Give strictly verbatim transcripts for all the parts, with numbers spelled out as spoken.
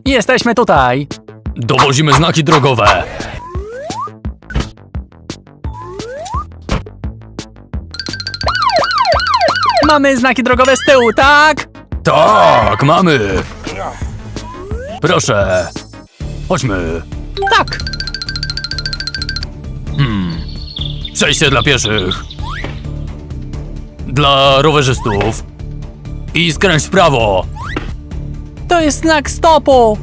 Jesteśmy tutaj. Dowozimy znaki drogowe. Mamy znaki drogowe z tyłu, tak? Tak, mamy. Proszę. Chodźmy. Tak. Hmm. Przejście dla pieszych. Dla rowerzystów. I skręć w prawo. To jest znak stopu.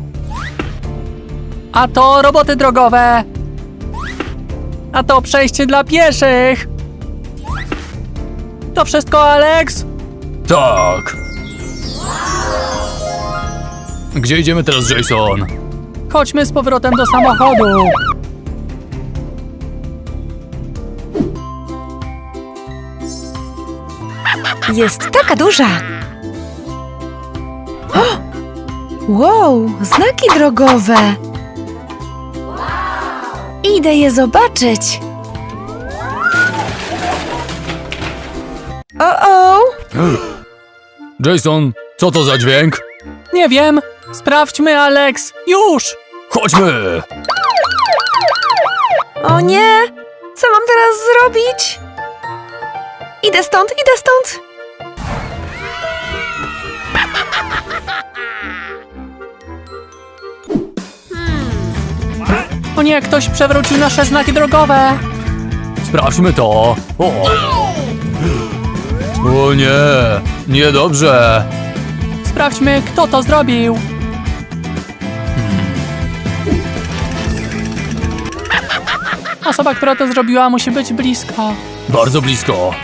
A to roboty drogowe. A to przejście dla pieszych. To wszystko, Alex? Tak. Gdzie idziemy teraz, Jason? Chodźmy z powrotem do samochodu. Jest taka duża. O! Wow, znaki drogowe. Idę je zobaczyć. O-o! Jason, co to za dźwięk? Nie wiem. Sprawdźmy, Alex. Już! Chodźmy! O nie! Co mam teraz zrobić? Idę stąd, idę stąd! O nie, ktoś przewrócił nasze znaki drogowe. Sprawdźmy to. O, o nie, niedobrze. Sprawdźmy, kto to zrobił. Osoba, która to zrobiła, musi być blisko. Bardzo blisko.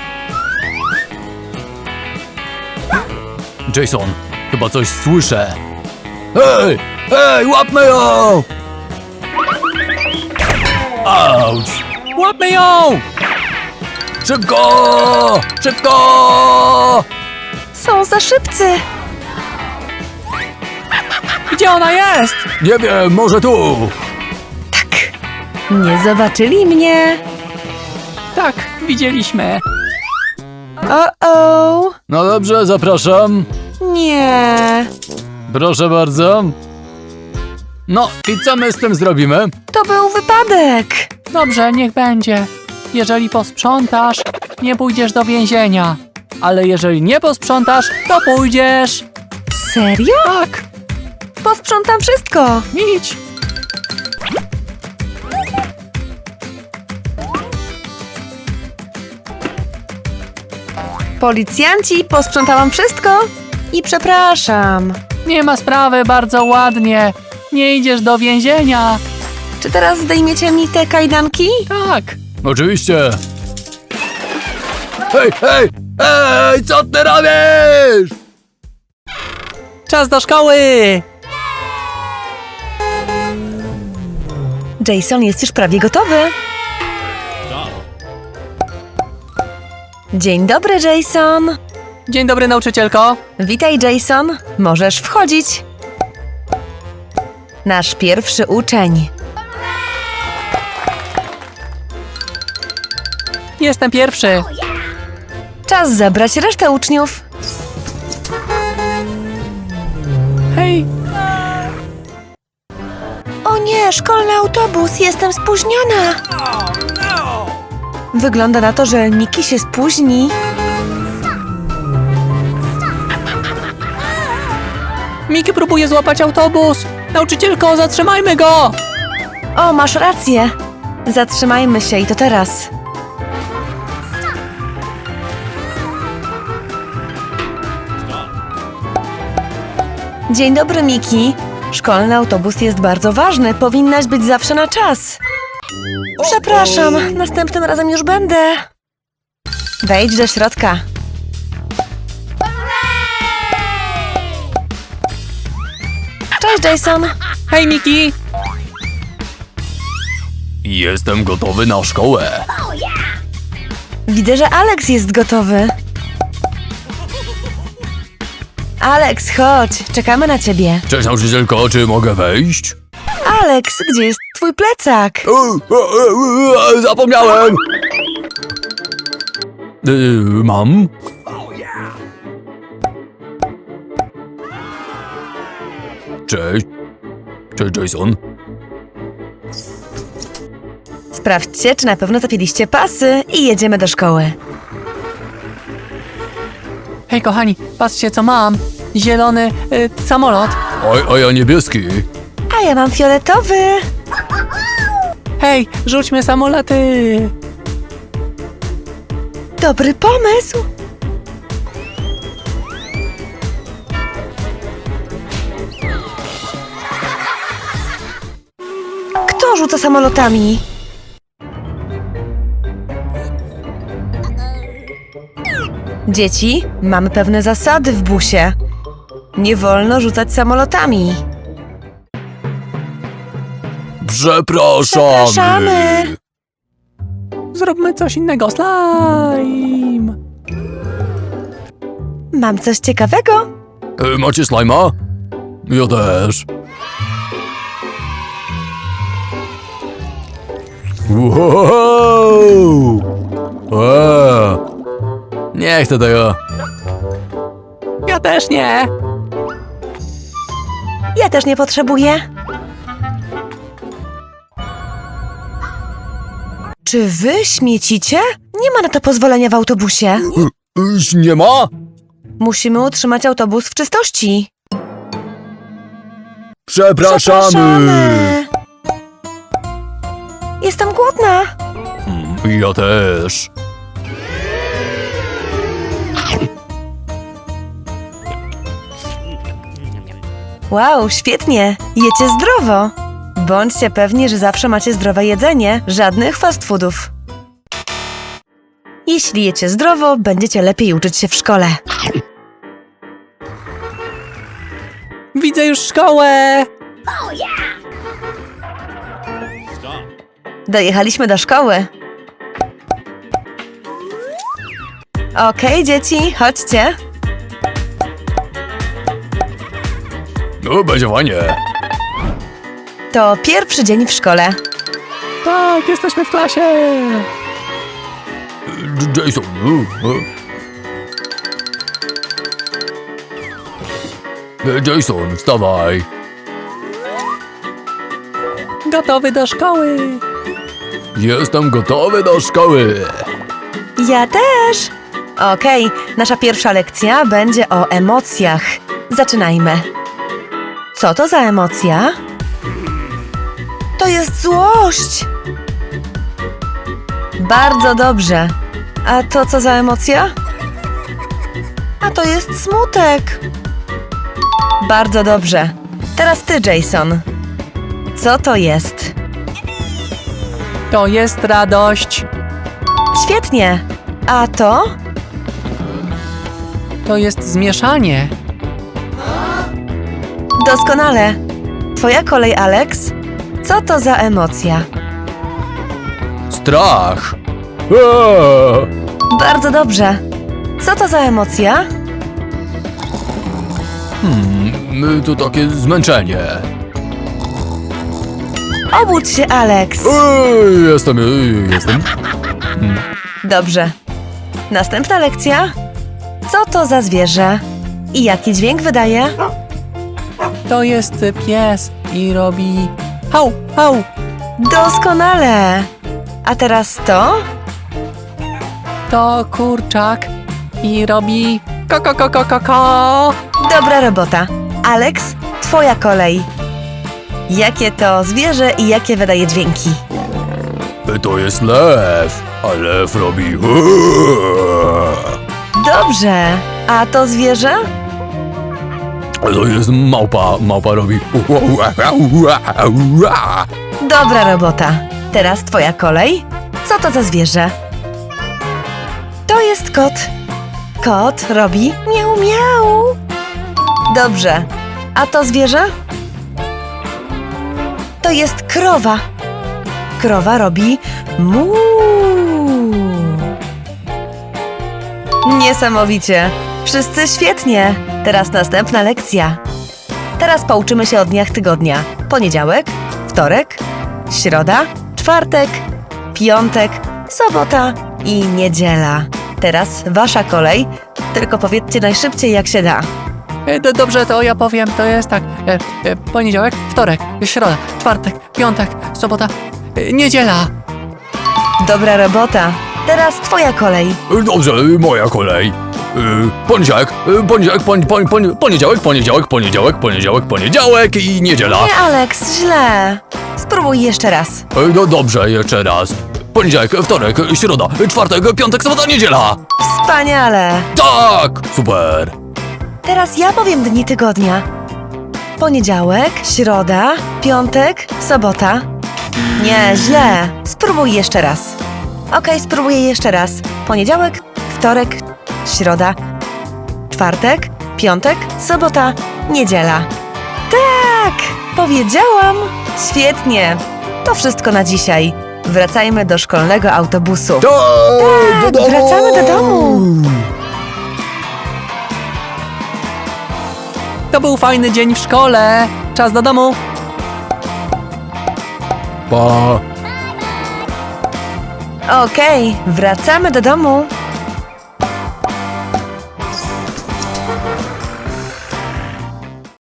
Jason, chyba coś słyszę. Hej, hej, łapmy ją! Auć! Łapmy ją! Szybko! Szybko! Są za szybcy! Gdzie ona jest? Nie wiem, może tu. Tak, nie zobaczyli mnie. Tak, widzieliśmy. O-o! No dobrze, zapraszam. Nie, Proszę bardzo. No i co my z tym zrobimy? to był wypadek. Dobrze, niech będzie. Jeżeli posprzątasz, nie pójdziesz do więzienia. Ale jeżeli nie posprzątasz, to pójdziesz. Serio? Tak, Posprzątam wszystko. idź. Policjanci, posprzątałam wszystko i przepraszam. Nie ma sprawy, bardzo ładnie. Nie idziesz do więzienia. Czy teraz zdejmiecie mi te kajdanki? Tak. Oczywiście. Hej, hej, hej, co ty robisz? Czas do szkoły. Jason jest już prawie gotowy. Dzień dobry, Jason. Dzień dobry, nauczycielko. Witaj, Jason. Możesz wchodzić. Nasz pierwszy uczeń. Jestem pierwszy. Czas zabrać resztę uczniów. Hej, O nie, szkolny autobus, jestem spóźniona. Wygląda na to, że Miki się spóźni. Miki próbuje złapać autobus. Nauczycielko, zatrzymajmy go. O, masz rację. Zatrzymajmy się i to teraz. Dzień dobry, Miki. Szkolny autobus jest bardzo ważny. Powinnaś być zawsze na czas. Przepraszam, następnym razem już będę. Wejdź do środka. Cześć, Jason. Hej, Miki. Jestem gotowy na szkołę. Widzę, że Alex jest gotowy. Alex, chodź, czekamy na ciebie. Cześć, nauczycielko, czy mogę wejść? Alex, gdzie jest twój plecak? Zapomniałem! Y, mam? Cześć. Cześć, Jason. Sprawdźcie, czy na pewno zapięliście pasy i jedziemy do szkoły. Hej, kochani, patrzcie, co mam. Zielony y, samolot. A, a ja niebieski. A ja mam fioletowy. Hej, rzućmy samoloty. Dobry pomysł. Kto rzuca samolotami? Dzieci, mamy pewne zasady w busie. Nie wolno rzucać samolotami. Przepraszamy. Przepraszamy. Zróbmy coś innego. Slime. Mam coś ciekawego. E, macie slajma? Ja też. Wow! Eee. Nie chcę tego. Ja też nie. Ja też nie potrzebuję. Czy wy śmiecicie? Nie ma na to pozwolenia w autobusie. Iś nie ma? Musimy utrzymać autobus w czystości. Przepraszamy. Jestem głodna. Mm, Ja też. Wow, świetnie. Jecie zdrowo. Bądźcie pewni, że zawsze macie zdrowe jedzenie. Żadnych fast foodów. Jeśli jecie zdrowo, będziecie lepiej uczyć się w szkole. Widzę już szkołę. Dojechaliśmy do szkoły. Okej, dzieci, chodźcie. No, będzie fajnie. To pierwszy dzień w szkole. Tak, jesteśmy w klasie. J- Jason. e, e. Jason, wstawaj. Gotowy do szkoły. Jestem gotowy do szkoły. Ja też. Okej, nasza pierwsza lekcja będzie o emocjach. Zaczynajmy. Co to za emocja? To jest złość. Bardzo dobrze. A to co za emocja? A to jest smutek. Bardzo dobrze. Teraz ty, Jason. Co to jest? To jest radość. Świetnie. A to? To jest zmieszanie. Doskonale. Twoja kolej, Alex. Co to za emocja? Strach. Eee. Bardzo dobrze. Co to za emocja? Hmm, to takie zmęczenie. Obudź się, Alex. Ej, jestem, ej, jestem. Dobrze. Następna lekcja. Co to za zwierzę? I jaki dźwięk wydaje? To jest pies i robi hał, hał. Doskonale. A teraz to? To kurczak i robi ko, ko, ko, ko, ko, ko. Dobra robota. Alex, twoja kolej. Jakie to zwierzę i jakie wydaje dźwięki? To jest lew, a lew robi. Eee. Dobrze. A to zwierzę? To jest małpa, małpa robi. Dobra robota. Teraz twoja kolej. Co to za zwierzę? To jest kot. Kot robi miau miau. Dobrze. A to zwierzę? To jest krowa. Krowa robi mu. Niesamowicie. Wszyscy świetnie. Teraz następna lekcja. Teraz pouczymy się o dniach tygodnia. Poniedziałek, wtorek, środa, czwartek, piątek, sobota i niedziela. Teraz wasza kolej, tylko powiedzcie najszybciej jak się da. E, do, dobrze, to ja powiem, to jest tak. E, e, poniedziałek, wtorek, środa, czwartek, piątek, sobota, e, niedziela. Dobra robota. Teraz twoja kolej. Dobrze, moja kolej. Y, Poniedziałek, y, poniedziałek, pon, pon, pon, poniedziałek, poniedziałek, poniedziałek, poniedziałek, poniedziałek i niedziela. Nie, Alex, źle. Spróbuj jeszcze raz. Y, No dobrze, jeszcze raz. Poniedziałek, wtorek, środa, czwartek, piątek, sobota, niedziela. Wspaniale. Tak! Super! Teraz ja powiem dni tygodnia. Poniedziałek, środa, piątek, sobota. Nie, źle. Spróbuj jeszcze raz. Okej, spróbuję jeszcze raz. Poniedziałek, wtorek, środa, czwartek, piątek, sobota, niedziela. Tak! Powiedziałam! Świetnie! To wszystko na dzisiaj. Wracajmy do szkolnego autobusu. Tak! Do domu! wracamy do domu. To był fajny dzień w szkole. Czas do domu. Pa! Okej, wracamy do domu.